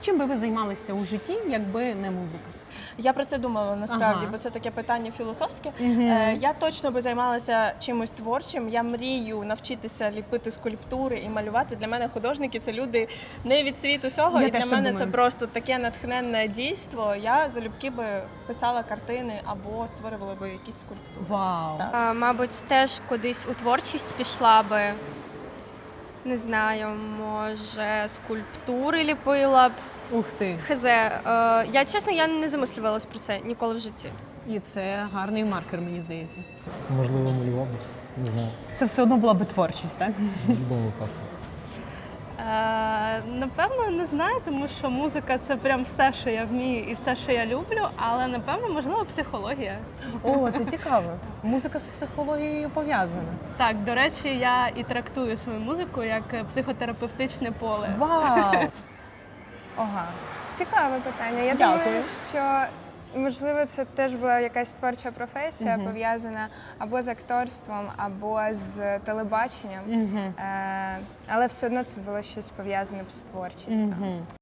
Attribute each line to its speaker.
Speaker 1: Чим би ви займалися у житті, якби не музика?
Speaker 2: Я про це думала насправді,
Speaker 1: Ага.
Speaker 2: бо це таке питання філософське.
Speaker 1: Мгм.
Speaker 2: Я точно би займалася чимось творчим. Я мрію навчитися ліпити скульптури і малювати. Для мене художники це люди не від світу сього.
Speaker 1: Я
Speaker 2: І
Speaker 1: теж
Speaker 2: для
Speaker 1: так
Speaker 2: мене
Speaker 1: думаю.
Speaker 2: це просто таке натхненне дійство. Я залюбки би писала картини або створювала би якісь скульптури.
Speaker 1: Вау!
Speaker 2: Так.
Speaker 3: Мабуть, теж кудись у творчість пішла би. Не знаю, може, скульптури ліпила б.
Speaker 1: Ух ти!
Speaker 3: Я чесно, я не замислювалась про це ніколи в житті.
Speaker 1: І це гарний маркер, мені здається.
Speaker 4: Можливо, малював би. Не знаю.
Speaker 1: Це все одно була би творчість, так?
Speaker 4: В будь-якому випадку.
Speaker 5: Напевно, не знаю, тому що музика це прям все, що я вмію і все, що я люблю, але напевно, можливо, психологія.
Speaker 1: О, це цікаво. Музика з психологією пов'язана.
Speaker 5: Так, до речі, я і трактую свою музику як психотерапевтичне поле.
Speaker 1: Вау!
Speaker 6: Ага, цікаве питання. Я
Speaker 1: Дякую.
Speaker 6: думаю, що можливо це теж була якась творча професія,
Speaker 1: Мгм.
Speaker 6: пов'язана або з акторством, або з телебаченням.
Speaker 1: Мгм.
Speaker 6: Але все одно це було щось пов'язане з творчістю.
Speaker 1: Мгм.